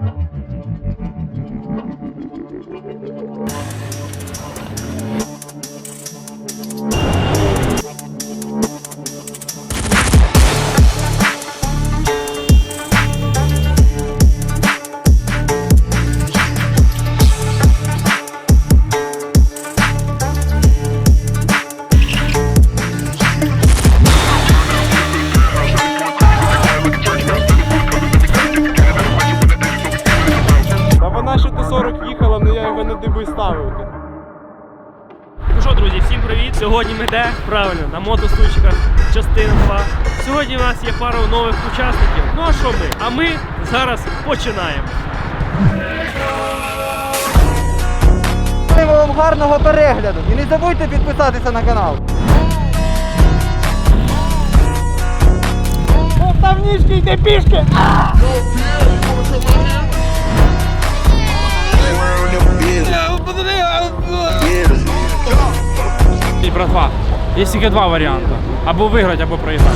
Ну що, друзі, всім привіт! Сьогодні ми де? Правильно, на мотостульчиках, частина 2. Сьогодні у нас є пара нових учасників. Ну а що ми? А ми зараз починаємо. Вам гарного перегляду і не забудьте підписатися на канал. Там ніжки, йде пішки! І, братва, є тільки два варіанти. Або виграти, або проіграти.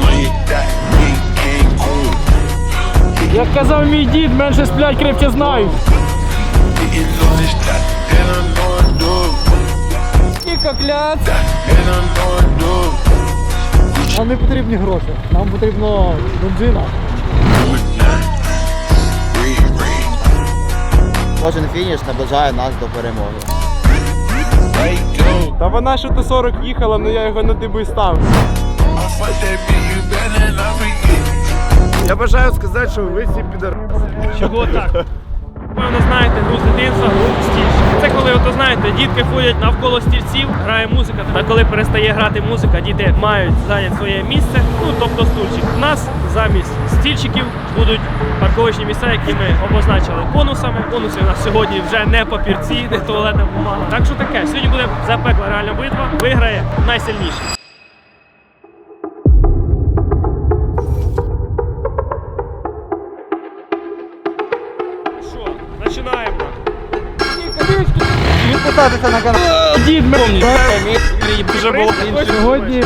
Як казав мій дід, менше сплять, крепче знають. І кокляц. Нам не потрібні гроші, нам потрібно бензина. Кожен фініш наближає нас до перемоги. Та вона ще Т-40 їхала, але я його на диби став. Я бажаю сказати, що ви всі підар... Чого так? Певно, знаєте, гру з дитинства, гру стільчик. Це коли, ото знаєте, дітки ходять навколо стільців, грає музика, а коли перестає грати музика, діти мають зайняти своє місце, ну тобто стульчик. У нас замість стільчиків будуть парковочні місця, які ми обозначили конусами. Конуси у нас сьогодні вже не папірці, не туалетна бумага. Так що таке, сьогодні буде запекла реальна битва, виграє найсильніший. Починаємо. Підписатися на канал. Дід, помніть. Вже було Сьогодні...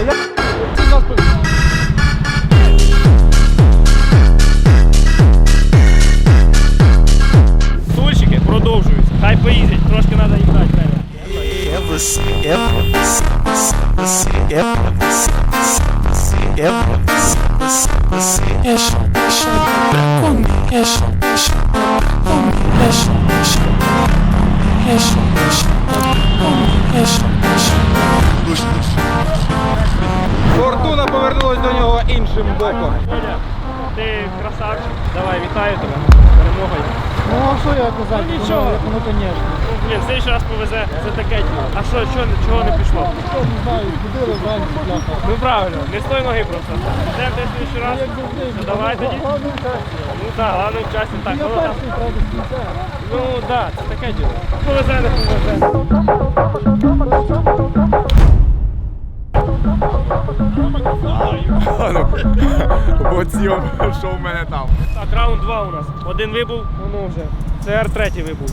Стульчики продовжуються. Хай поїздять, трошки треба їм дати треба. Фортуна повернулась до нього іншим боком. Оля, ти красавчик. Давай, вітаю тебе. Перемогою. Ну а що я казати? Ну, нічого. Ну, звісно. Блін, в следующий раз повезе, це таке діло. А що, чого не пішло? Я не знаю, ходили зранку, бляха. Ну правильно, не з тої ноги просто. Де в следующий раз? Ну, давай тоді. Ну так, головне в часі. Так, Я ну, перший, правда, з кінця. ну так, це таке діло. Повезе, не повезе. От зйом, що в мене там. Так, раунд 2 у нас. Один вибув, воно вже. Це Р3 вибув.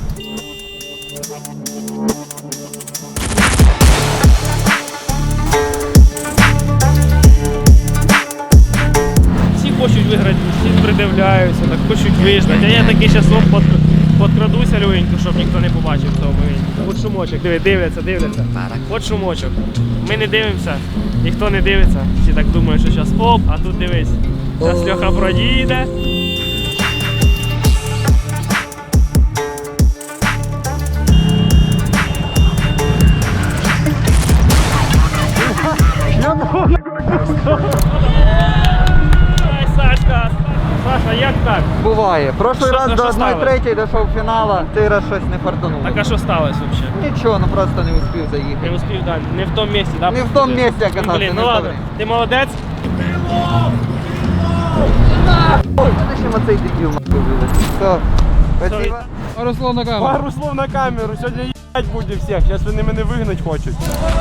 Всі хочуть виграти, всі придивляються, так хочуть виждати. А я такий часом подкрадуся легенько, щоб ніхто не побачив цього моменту. От шумочок, дивляться. От шумочок. Ми не дивимося, ніхто не дивиться. Всі так думають, що зараз оп, а тут дивись. Зараз Льоха проїде. Ай, Сашка, Саша, як так? Буває. Прошлий Що- раз що до сталося? 1-3 дійшов фіналу, цей раз щось не фартануло. Так а що сталося взагалі? Нічого, ну просто не успів заїхати. Не успів, так, не в тому місці, так? Не в тому місці оказався, Блін, не ну в ладно, тому. ти молодець. Ой, мене ще оцей дебіл нахуй вилетів. Все, спасибо. Пару слов на камеру. Пару слов на камеру, сьогодні їбать буде всіх, зараз вони мене вигнать хочуть.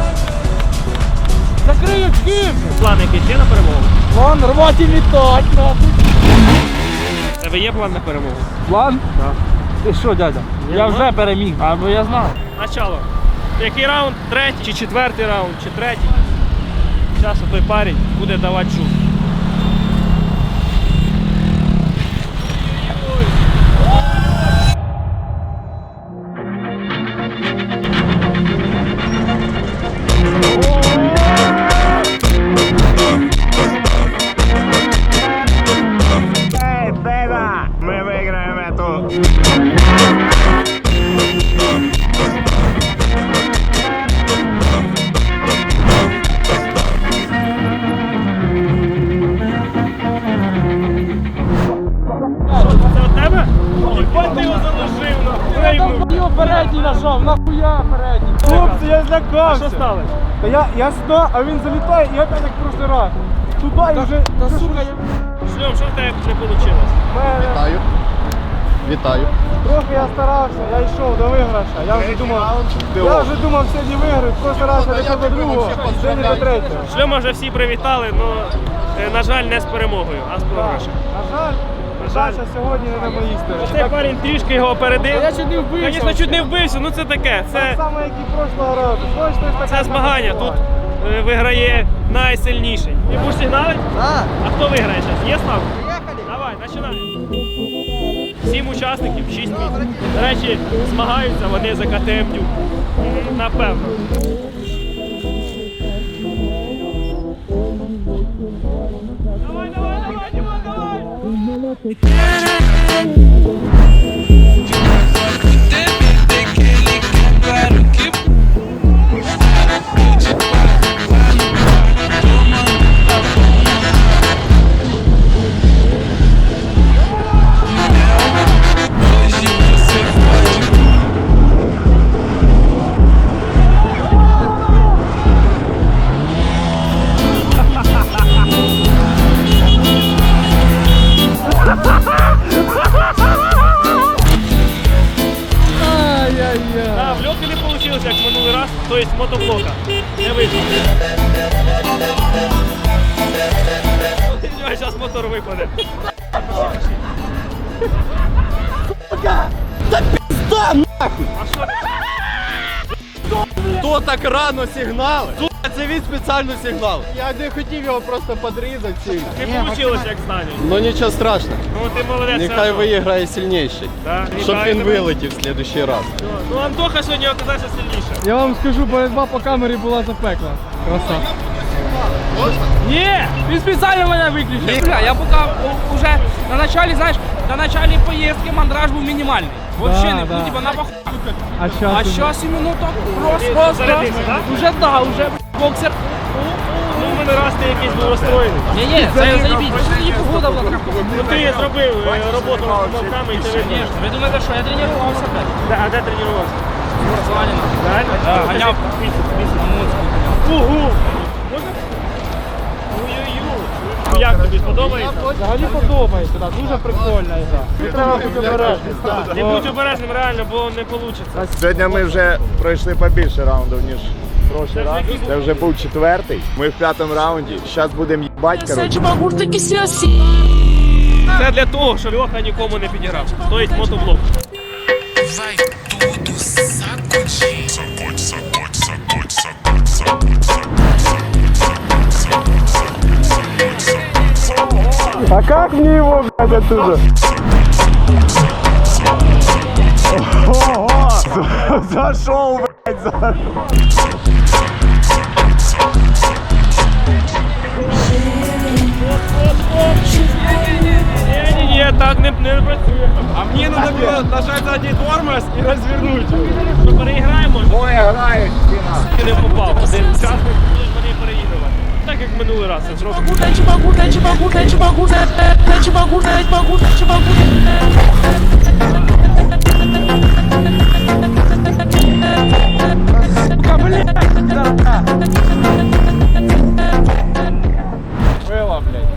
Закриють ким? План якийсь є на перемогу? Вон, рвати літать, нахуй. У тебе є план на перемогу? План? Так. Ти що, дядя? Я вже переміг, або я знав. Начало. Який раунд? Третій чи четвертий раунд, чи третій? Зараз той парень буде давати жук. Це у тебе? Єбать ти його заложив, нахуй. Його передній нажав, нахуя передній. Хлопці, я А злякався. що сталося? Та я сюди, а він залітає, і опять як в прошлий раз. Туди і вже... Та сука, я... Шльом, що в тебе не вийшло? Вітаю. Вітаю. Трохи я старався, я йшов до виграша. Я вже думав сьогодні виграю. В прошлий раз я не до другого, сьогодні до третього. Шльома вже всі привітали, але, на жаль, не з перемогою, а з програшем. На жаль, Саша сьогодні не на моїй стороні. Цей парень трішки його опередив. Я чуть не вбився. Звісно, чуть не вбився, ну це таке. Так само, як і прошлого разу. Це змагання. Тут виграє найсильніший. Ти будеш сигналити? А, А хто виграє зараз? Є ставка? поїхали. Давай, починаємо. 7 учасників, 6 місць. До речі, змагаються вони за КТМ Дюк. Напевно. Давай, давай, давай, Дімон, давай! Да, в льотки не вийшло, як в минулий раз, тобто мотоблока. Не вийшло. Зараз мотор випаде. А що ти? Хто так рано сигнали? Це він спеціально сигнал. Я не хотів його просто подрізати сильно. Не вийшло, як знаю. Ну нічого страшного. Ну ти молодець. Нехай Антон. виграє сильніший. Да, Щоб вітаю він тебе. вилетів в следующий раз. Ну Антоха сьогодні оказався сильніше. Я вам скажу, боротьба по камері була запекла. Краса. Ні, він спеціально мене виключив. Бля, я пока уже на начале, знаешь, на начале поездки мандраж был минимальный. Вообще, Да, не, да. ну типа на похуй. А А сейчас сейчас именно так Ты просто. зарядился, да? Уже да, уже боксер. Ну в мене раз ти якийсь був розстроєний. Не-не, заебись. Не погода была такая. Ну ти зробив роботу над помилками і це видно. Конечно, вы думаете, что я тренировался, блядь? А де тренувався? Спортзале. Реально? гоняв. Угу! Можна? Ой-ой-ой. Як тобі сподобається? взагалі подобається, да, дуже прикольна гра. Не треба бути обережним. Не будь обережним реально, бо не вийде. Сьогодні ми вже пройшли побільше раундів, ніж прошлий раз. Це вже був четвертий. Ми в п'ятому раунді. Зараз будемо їбать, коротше. Це для того, щоб Льоха нікому не підіграв. Тобто мотоблок. Vai tudo sacudir. Sacode, sacode, sacode, sacode, sacode, sacode. А как мне его, блядь, оттуда? Ого! Зашел, блядь, Ні, так не працює. А мне надо было нажать задний тормоз и развернуть. Що переіграємо? Ой, грають стіна. Ти не попав. Один учасник будуть вони переігрувати. Так як минулий раз це зробив. Было, блядь.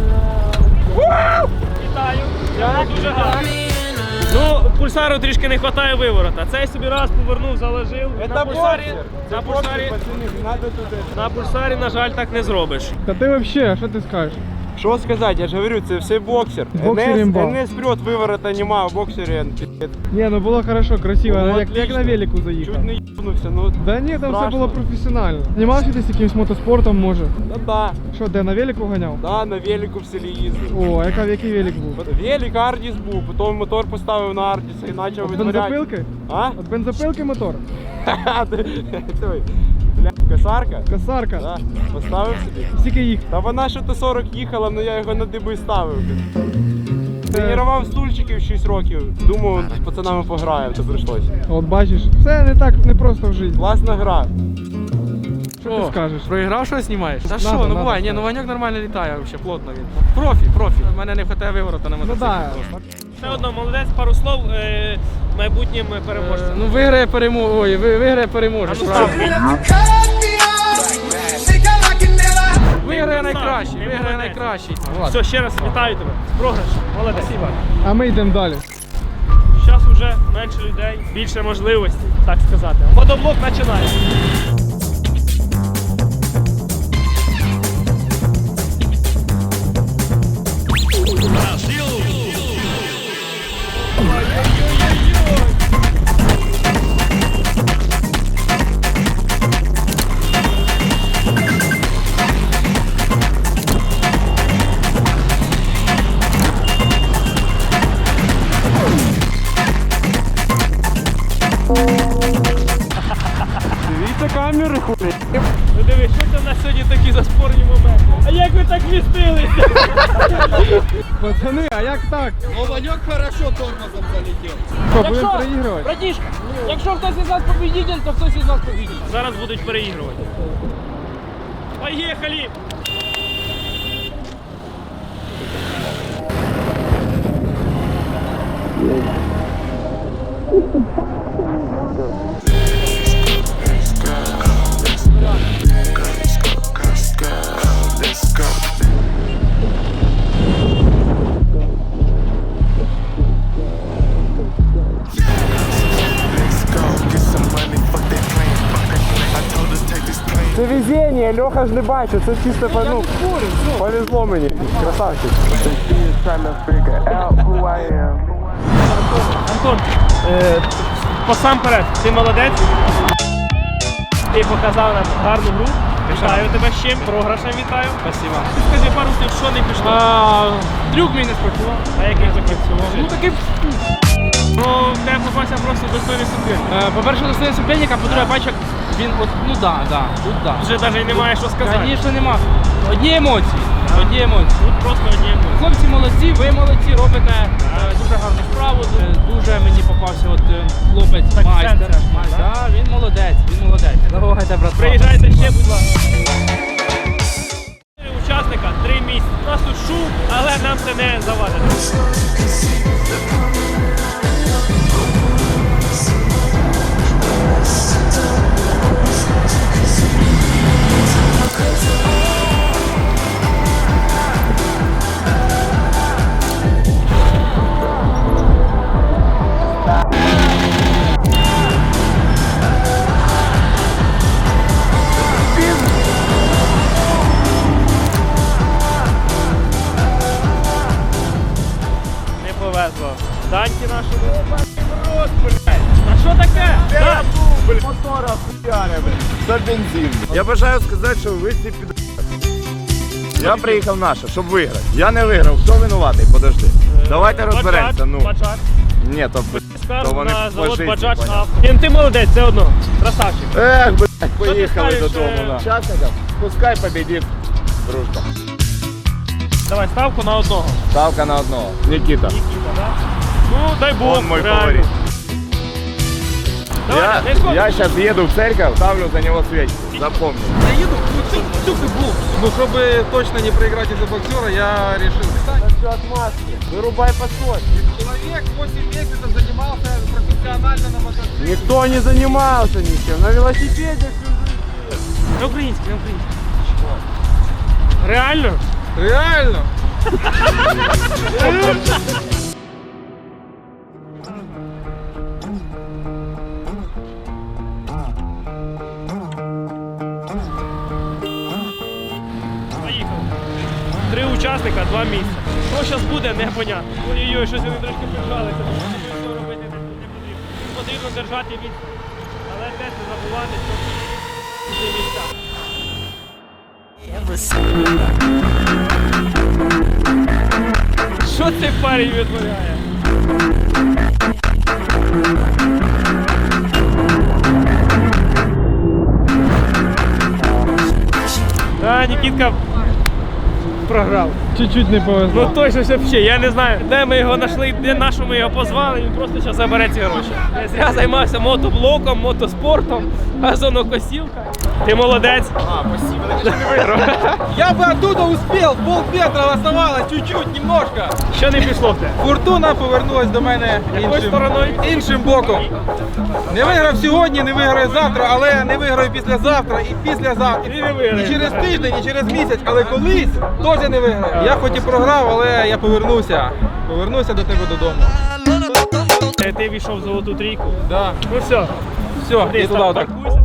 Вітаю. Я дуже гарно. Ну, пульсару трішки не вистачає виворота. Цей собі раз повернув, заложив. Это боксер. На Это пульсарі, боксер, пацаны, не надо туда. на пульсарі, на жаль, так не зробиш. Та ти вообще, що ти скажеш? Що сказати, я ж говорю, це все боксер. Боксер імба. НС вперед, виворота нема, в боксері Ні, ну було хорошо, красиво, Ну, як отлично. на велику заїхав. чуть не їбнувся, ну Да ні, там все страшно. було професіонально. Знімався десь якимось мотоспортом, може? Да, Що, де, на велику ганяв? да, на велику в селі їздив. О, а який велик був? Велик Ардіс був, потім мотор поставив на Ардіса і почав От витворяти. бензопилки? А? От бензопилки мотор? Ха-ха, той, бля, косарка? Косарка? Да, поставив собі. Скільки їх? Та вона ще то 40 їхала, але я його на диби ставив. Тренував стульчиків 6 років. Думав, з пацанами пограємо, то прийшлося. От бачиш, все не так не просто в житті. Класна гра. Що ти скажеш? Проіграв, що знімаєш? Та Надо, що, ну надо буває, ні, сказати. ну Ваньок нормально літає, взагалі, плотно він. Профі. У мене не вистачає вигорота на Ну мотоциклі так. просто. Все одно, молодець, пару слов майбутнім переможцям. Ну виграє переможець, Ну, правильно. Виграє Виграє найкращий. Все, ще раз вітаю тебе. З програшем. Молодець. Спасибо. А ми йдемо далі. Зараз вже менше людей, більше можливостей, так сказати. Водоблок починає. Дивіться камери, хуй. Ну диви, що це в нас сьогодні такі заспорні моменти? А як ви так вмістилися? Пацани, а як так? О, Ваньок хорошо тормозом залетів. Що, будемо переігрувати? Братішка, якщо хтось із нас победитель, то хтось із нас победитель. Зараз будуть переігрувати. Поїхали! Це везіння, Льоха ж не бачить, це чисто повезло мені. Красавчик. Антон, посамперед, ти молодець. Ти показав нам гарну гру. Вітаю тебе з чим, програшем вітаю. Спасибо. Скажи пару слів, що не пішло. Трюк мій не спрацював. А який запрацював? Ну такий, Ну, в тебе попався просто достойний суперник. по-перше, достає суперника, по-друге, бачу, як він от, ну да, тут да. Вже навіть немає що сказати. Звісно, нема. Одні емоції. Тут просто одні емоції. Хлопці молодці, ви молодці, робите дуже гарну справу. Дуже мені попався от хлопець Так, майстер. центр, так? Да, він молодець. Давайте, брат. Приїжджайте ще, будь ласка. 4 учасника, 3 місця. У нас тут шум, але нам це не завадить. Не повезло. Даньки нашому. Рот, блядь. А що таке? Дань! Мотора хуяри, за бензин. Я бажаю сказати, що ви всі під... Я приїхав наша, щоб виграти. Я не виграв. Хто винуватий? Подожди. Давайте розберемося. Ну. Баджар. Ні, то Скажу вони на завод фашисти, Баджач понятно. Авто. Ти молодець, все одно. Красавчик. Ех, блядь, поїхали скажеш, додому. Да. Учасникам, пускай победить дружба. Давай ставку на одного. Ставка на одного. Нікіта. Нікіта, да? Ну, дай Бог, Он мой реально. фаворит. Давай, не сходи. Я сейчас еду в церковь, ставлю за него свечку. Запомни. Я їду, ну, щоб точно не проіграти за боксера, я вирішив встати. Все отмазки. Вырубай подход. Чоловік 8 місяців займався професіонально на мотоциклі. Никто не занимался ничем. На велосипеде На український, на український. Реально? Реально? Поїхали. 3 учасника, 2 місця. Що зараз буде, непонятно. Ой-ой-ой, щось вони трошки прижалися. Нічого робити не потрібно. Потрібно держати від. Але теж не забувати, що ці місця. Що цей парень витворяє? Да, Нікітка програв. чуть-чуть не повезло. Ну точно ж взагалі, я не знаю, де ми його знайшли, де на що ми його позвали, він просто зараз забере ці гроші. Я зря займався мотоблоком, мотоспортом, газонокосілка. Ти молодець. Я бы оттуда успел, полметра оставалось, чуть-чуть, немножко. Що не пішло в те? Фортуна повернулась до мене Якою стороною? іншим боком. Не виграв сьогодні, не виграю завтра, але не виграю післязавтра і післязавтра. І не виграю. І через тиждень, і через місяць, але колись теж не виграю. Я хоч і програв, але я повернуся. Повернуся до тебе додому. Ти війшов в золоту трійку. Да. Ну все, Все, ти і туди отак. паркуйся.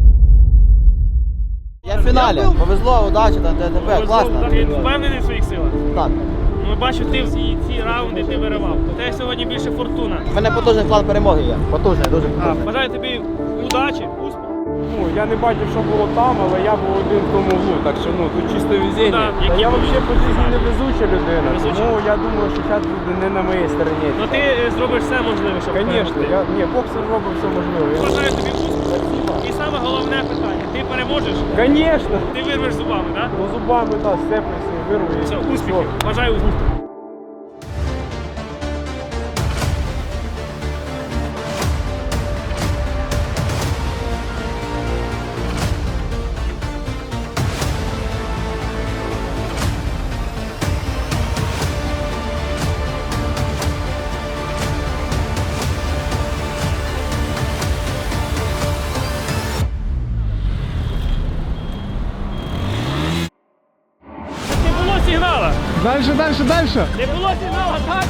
Я в фіналі. Повезло, удачі, там ДТП, класно. Ти впевнений в своїх силах? Так. Ну, бачу, ти всі ці раунди ти виривав. У тебе сьогодні більше фортуна. У мене потужний план перемоги є. Потужний, дуже потужний. Бажаю тобі удачі, успіху. Ну, я не бачив, що було там, але я був один в тому углу, так що ну тут чисто везіння. Да, які Я ви- взагалі по житті не везуча людина, Везуча? тому я думаю, що зараз буде не на моїй стороні. Ну ти зробиш все можливе, щоб Звісно, перемогти. боксер робить все можливе. Бажаю тобі успіху. І саме головне питання. Ти переможеш? Звісно, Ти вирвеш зубами, так? ну зубами, так, степлюся, вирву і Все, успіхів. Бажаю успіху. Не було сигнала. Дальше, дальше, дальше. Не було сигнала, так?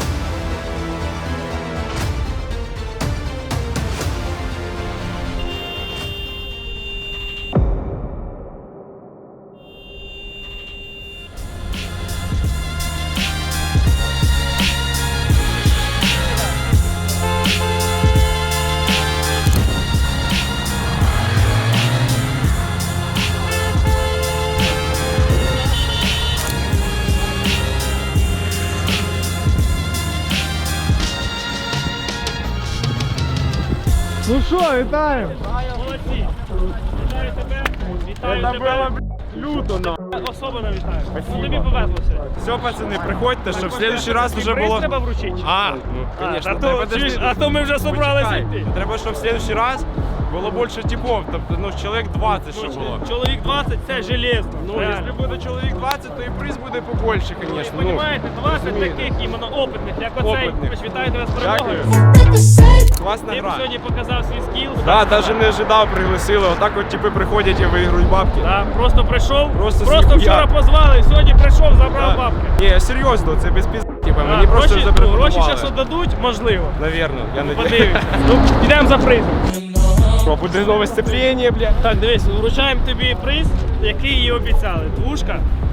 Ну що, вітаємо. Молодці. Вітаю тебе. Вітаю тебе. люто на. Особливо вітаю. Ну, тобі повезло сьогодні. Все, пацани, приходьте, щоб в следующий раз уже Приз було. треба вручити. А, ну, конечно, а то, чуєш, а то ми вже собралися йти. Треба, щоб в следующий раз було більше типов, тобто, ну, чоловік 20, щоб було. Чоловік 20 це железно. Ну, реально. якщо буде чоловік 20, то і приз буде побольше, Ви звісно. розумієте, 20 розумієте. таких іменно опитних, як оцей. Опитних. Тож вітаю тебе з перемогою. Класна Ти б гра. сьогодні показав свій скіл. Да, навіть не ожидав, пригласили. Отак от типи приходять і виграють бабки. Да, просто прийшов, Просто просто ніхуя. вчора позвали, сьогодні прийшов, забрав Да. бабки. Ні, серйозно, це без піз... Типа, Да, мені просто гроші запропонували. зараз дадуть, можливо. Навірно, я не Подивимося. Ну, йдемо за призом. Що, буде нове сцеплення, бля. Так, дивись, вручаємо тобі приз, який і обіцяли. Двушка.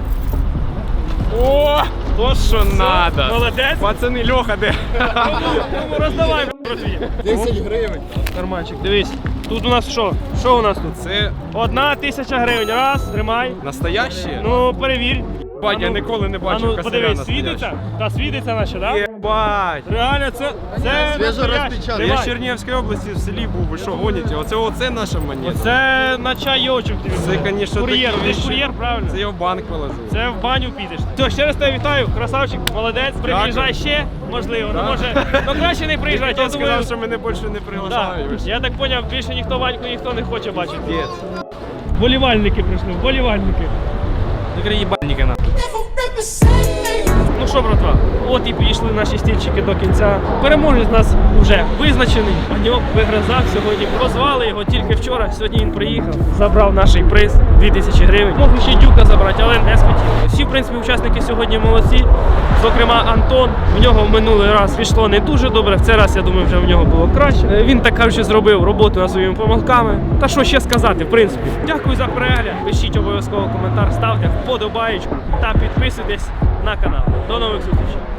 О, то що надо. Молодець. Пацани, Льоха, де? Тому роздавай, братві. 10 гривень. Нормальчик, дивись. Тут у нас що? Що у нас тут? Це 1000 гривень. Раз, тримай. настояще? Ну, перевір. Бать, я А ну, ніколи не а бачив ну, косаря подивись, настоящого. світиться? Та світиться наче, так? Єбать. Реально, це Свіжо настояще. розпечатано. Я в Тримай. Чернігівській області в селі був, ви що гоніте? Оце наша монета. Це на чайочок тобі. Це, конечно, кур'єр. такі Ти ж вещи. кур'єр, правильно? Це я в банк положив. Це в баню підеш. Все, ще раз тебе вітаю, красавчик, молодець. Приїжджай ще, можливо. Ну Так. може, ну краще не приїжджати. Хто Я думаю, сказав, що мене більше не да. приглашають? Я так зрозумів, більше ніхто Ваньку ніхто не хоче бачити. Піздець. Вболівальники прийшли, вболівальники. Їбальники на. Ну що, братва, от і підійшли наші стільчики до кінця. Переможець у нас вже визначений. Ваньок вигризав сьогодні. Прозвали його тільки вчора. Сьогодні він приїхав, забрав наш приз 2000 гривень. Мог ще дюка забрати, але не схотів. Всі, в принципі, учасники сьогодні молодці. Зокрема, Антон. В нього в минулий раз пішло не дуже добре. В цей раз, я думаю, вже в нього було краще. Він так кажучи, зробив роботу над своїми помилками. Та що ще сказати, в принципі. Дякую за перегляд. Пишіть обов'язково коментар, ставте вподобаєчку та підписуйтесь на канал. До нових зустрічей.